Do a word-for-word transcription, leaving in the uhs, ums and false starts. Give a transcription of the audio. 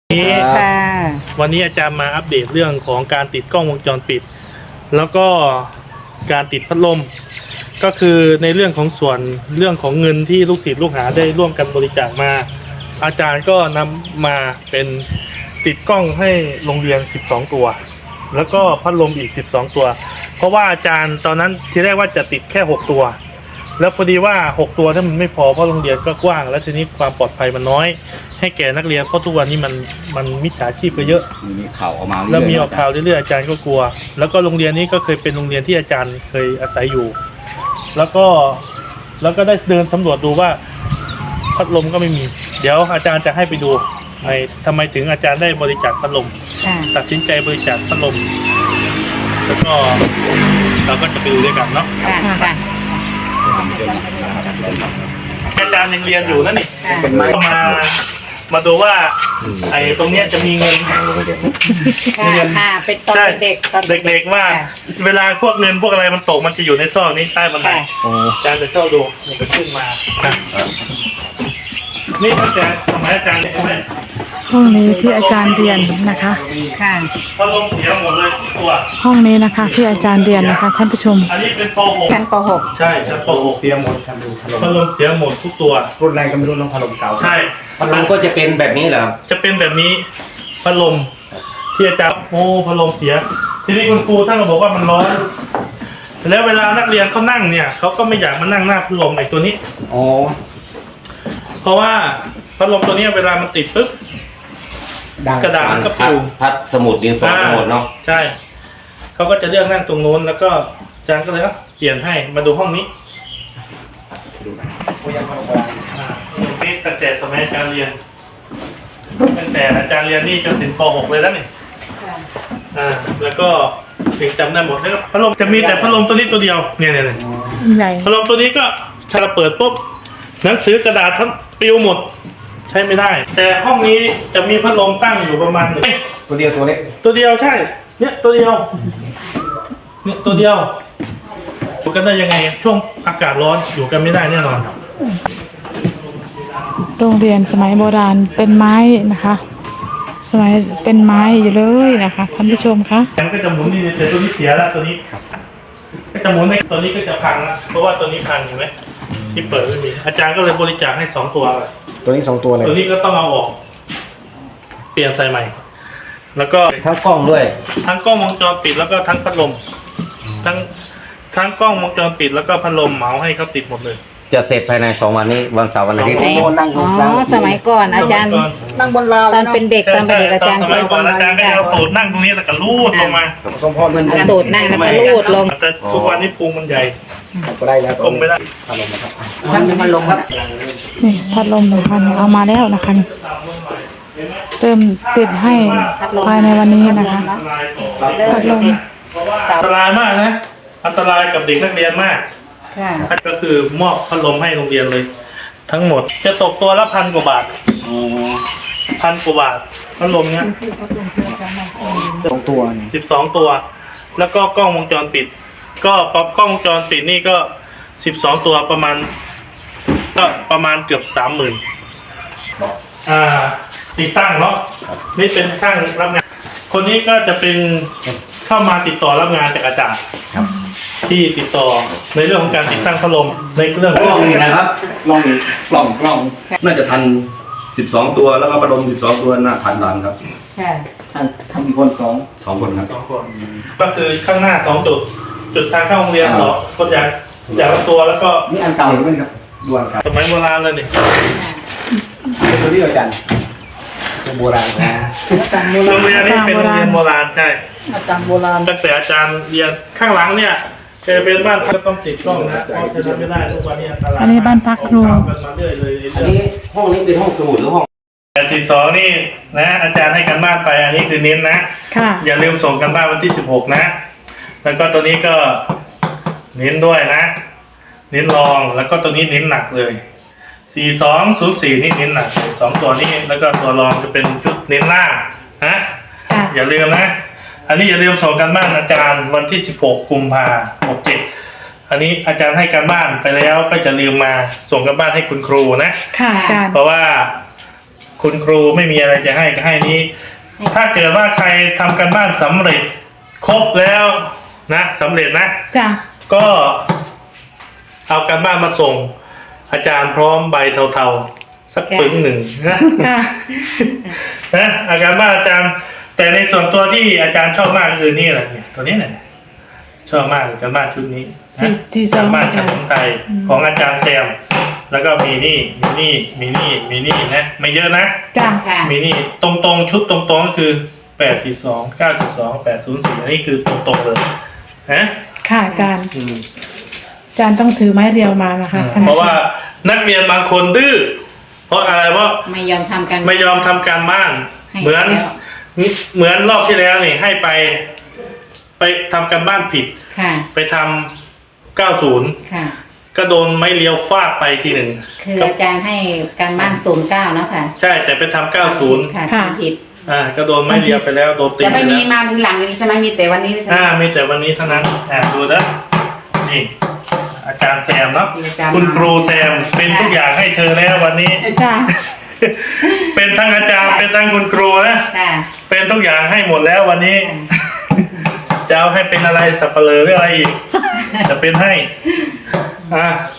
นี้วันนี้อาจารย์มาอัปเดตเรื่องของการติดกล้องวงจรปิดแล้วก็การติดพัดลมก็คือในเรื่องของส่วนเรื่องของเงินที่ลูกศิษย์ลูกหาได้ร่วมกันบริจาคมาอาจารย์ก็นำมาเป็นติดกล้องให้โรงเรียนสิบสองตัวแล้วก็พัดลมอีกสิบสองตัวเพราะว่าอาจารย์ตอนนั้นทีแรกว่าจะติดแค่หกตัวแล้วพอดีว่าหกตัวถ้ามันไม่พอเพราะโรงเรียนก็กว้างแล้วทีนี้ความปลอดภัยมันน้อยให้แก่นักเรียนเพราะทุกวันนี้มันมันมิจฉาชีพก็เยอะมีข่าวออกมาแล้วมีออกข่าวเรื่อยๆอาจารย์ก็กลัวแล้วก็โรงเรียนนี้ก็เคยเป็นโรงเรียนที่อาจารย์เคยอาศัยอยู่แล้วก็แล้วก็ได้เดินสำรวจดูว่าพัดลมก็ไม่มีเดี๋ยวอาจารย์จะให้ไปดูในทำไมถึงอาจารย์ได้บริจาคพัดลมตัดสินใจบริจาคพัดลมแล้วก็เราก็จะไปดูด้วยกันเนาะอาจารย์ยังเรียนอยู่นั่นนี่มามาดูว่าไอ้ตรงเนี้ยจะมีเงินเรียนเป็นตอนเด็กตอนเด็กๆว่าเวลาพวกเงินพวกอะไรมันตกมันจะอยู่ในซอกนี้ใต้บันไดอาจารย์จะเข้าดูมันจะขึ้นมานี่ตั้งแต่สมัยอาจารย์ใช่ไหมห้องนี้ที่อาจารย์เรียนนะคะค่ะพัดลมเสียหมดเลยตัวห้องนี้นะคะที่อาจารย์เรียนนะคะท่านผู้ชมอันนี้เป็นป .หกชั้นป .หกใช่ชั้นป .หกเสียหมดทำดูพัดลมเสียหมดทุกตัวรุ่นไรก็ไม่รู้น้องพัดลมเก่าใช่พัดลมก็จะเป็นแบบนี้เหรอจะเป็นแบบนี้พัดลมที่อาจารย์โอ้พัดลมเสียทีนี้คุณครูท่านก็บอกว่ามันร้อนแล้วเวลานักเรียนเขานั่งเนี่ยเขาก็ไม่อยากมานั่งหน้าพัดลมไอ้ตัวนี้อ๋อเพราะว่าพัดลมตัวนี้เวลามันติดปุ๊บกระดาษมันก็ปลิวพัดสมุดดินสอหมดเนาะใช่เขาก็จะเลือกนั่งตรงโน้นแล้วก็อาจารย์ก็เลยเปลี่ยนให้มาดูห้องนี้นี่ตั้งแต่สมัยอาจารย์เรียนตั้งแต่อาจารย์เรียนนี่จนถึงป .หก เลยแล้วนี่อ่าแล้วก็ถึงจำได้หมดแล้วพัดลมจะมีแต่พัดลมตัวนี้ตัวเดียวเนี่ยเนี่ยพัดลมตัวนี้ก็ถ้าเราเปิดปุ๊บหนังสือกระดาษทั้งปลิวหมดใช้ไม่ได้แต่ห้องนี้จะมีพัดลมตั้งอยู่ประมาณหนึ่งตัวเดียวตัวเล็กตัวเดียวใช่เนี่ยตัวเดียวเนี่ยตัวเดียวอยู่กันได้ยังไงช่วงอากาศร้อนอยู่กันไม่ได้แน่นอนโรงเรียนสมัยโบราณเป็นไม้นะคะสมัยเป็นไม้อยู่เลยนะคะท่านผู้ชมคะมันก็จะหมุนนี่แต่ตัวนี้เสียแล้วตัวนี้ก็จะหมุนในตัวนี้ก็จะพังแล้วเพราะว่าตัวนี้พังเห็นไหมที่เปิดไม่มีอาจารย์ก็เลยบริจาคให้สองตัวตัวนี้สองตัวเลยตัวนี้ก็ต้องเอาออกเปลี่ยนใส่ใหม่แล้วก็ทั้งกล้องด้วยทั้งกล้องวงจรปิดแล้วก็ทั้งพัดลมทั้งทั้งกล้องวงจรปิดแล้วก็พัดลมเหมาให้เขาติดหมดเลยจะเสร็จภายในสองวันนี้วันเสาร์วันอาทิตย์อ๋อสมัยก่อนอาจารย์นั่งบนราวตอนเป็นเด็กตอนเป็นเด็กอาจารย์สมัยก่อนอาจารย์ก็จะเอาตูดนั่งตรงนี้แล้วก็ลูดลงมาสมพรมันตูดนั่งแล้วก็ลูดลงแต่ทุกวันนี้พุงมันใหญ่ก็ได้แล้วกลมไม่ได้พัดลมนะครับท่านเป็นพัดลมครับนี่พัดลมหนึ่งพันเอามาแล้วนะคะเริ่มติดให้ภายในวันนี้นะคะพัดลมอันตรายมากนะอันตรายกับเด็กนักเรียนมากก็คือมอบพัดลมให้โรงเรียนเลยทั้งหมดจะตกตัวละพันกว่าบาทพันกว่าบาทพัดลมเนี้ยสองตัวสิบสองตัวแล้วก็กล้องวงจรปิดก็ป๊อปกล้องวงจรปิดนี่ก็สิบสองตัวประมาณก็ประมาณเกือบสามหมื่นอ่าติดตั้งเนาะนี่เป็นช่างรับงานคนนี้ก็จะเป็นเข้ามาติดต่อรับงานจากอาจารย์ที่ติดต่อในเรื่องของการติดตั้งพัดลมในเรื่องกล้องนี่นะครับกล้องกล้องกล้องน่าจะทันสิบสองตัวแล้วก็พัดลมสิบสองตัวน่าทันทันครับค่ะทันทำกี่คนสองสองคนครับสองคนก็คือข้างหน้าสองจุดจุดทางเข้าโรงเรียนสองคนอย่างอย่างละตัวแล้วก็นี่อันเก่าหรือไม่ครับด่วนครับสมัยโบราณเลยนี่เป็นตัวที่อาจารย์เป็นโบราณนะโรงเรียนนี้เป็นโรงเรียนโบราณใช่อาจารย์โบราณตั้งแต่อาจารย์เรียนข้างหลังเนี่ยจะเป็นบ้านพักต้องติดกล้องนะเพราะจะทำไม่ได้ทุกวันนี้อันตรายอันนี้บ้านพักครูอันนี้ห้องนี้เป็นห้องสมุดหรือห้องแปดสี่สองนี่นะอาจารย์ให้กันบ้านไปอันนี้คือเน้นนะอย่าลืมส่งกันบ้านวันที่สิบหกนะแล้วก็ตัวนี้ก็เน้นด้วยนะเน้นรองแล้วก็ตัวนี้เน้นหนักเลยสี่สองศูนย์สี่นี่เน้นหนักสองตัวนี้แล้วก็ตัวรองจะเป็นชุดเน้นล่างนะอย่าลืมนะอันนี้อย่าลืมส่งกันบ้านอาจารย์วันที่สิบหกกุมภาพันธ์หกเจ็ดอันนี้อาจารย์ให้การบ้านไปแล้วก็จะลืมมาส่งกันบ้านให้คุณครูนะค่ะอาจารย์เพราะว่าคุณครูไม่มีอะไรจะให้ก็ให้นี้ ถ้าเกิดว่าใครทำกันบ้านสำเร็จครบแล้วนะสำเร็จนะจ้ะก็เอาการบ้านมาส่ง อาจารย์พร้อมใบเทาๆสักปึ้งหนึ่งนะค่ะนะอาการบ้านอาจารย์ แต่ในส่วนตัวที่อาจารย์ชอบมากคือนี่แหละเนี่ยตัวนี้แหละชอบมากการบ้านชุดนี้นะที่สกาองรบ้านขนมไทยอืมของอาจารย์แซม แล้วก็มีนี่มีนี่มีนี่มีนี่นะไม่เยอะนะจ้ะค่ะมีนี่ตรงๆชุดตรงๆก็คือแปดสี่สองเก้าสี่สองแปดศูนย์สี่อันนี้คือตรงๆเลยนะค่ะอาจารย์อืมอาจารย์ต้องถือไม้เรียวมานะคะเพราะว่านักเรียนบางคนดื้อเพราะอะไรเพราะไม่ยอมทำกันไม่ยอมทำการบ้านให้เหมือนแล้วเหมือนรอบที่แล้วนี่ให้ไป ไปทำการบ้านผิดค่ะไปทำเก้าศูนย์ค่ะก็โดนไม้เลี้ยวฟาดไปทีหนึ่งคืออาจารย์ให้การบ้านศูนย์เก้าเนาะค่ะใช่แต่ไปทำเก้าศูนย์ค่ะทำผิดอ่าก็โดนไม้เลี้ยวไปแล้วโดนตีจะไม่ปมีแล้วมาทีหลังนี้ใช่ไหมมีแต่วันนี้ใช่ไหมอ่ามีแต่วันนี้เท่านั้นอ่าดูนะนี่อาจารย์แซมเนาะที่อาจารย์คุณครูแซมเป็นทุกอย่างให้เธอแล้ววันนี้จ้ะเป็นทั้งอาจารย์เป็นทั้งคุณครูนะค่ะเป็นทุกอย่างให้หมดแล้ววันนี้ จะเอาให้เป็นอะไรสับเปลือหรืออะไรอีก จะเป็นให้ อ่ะ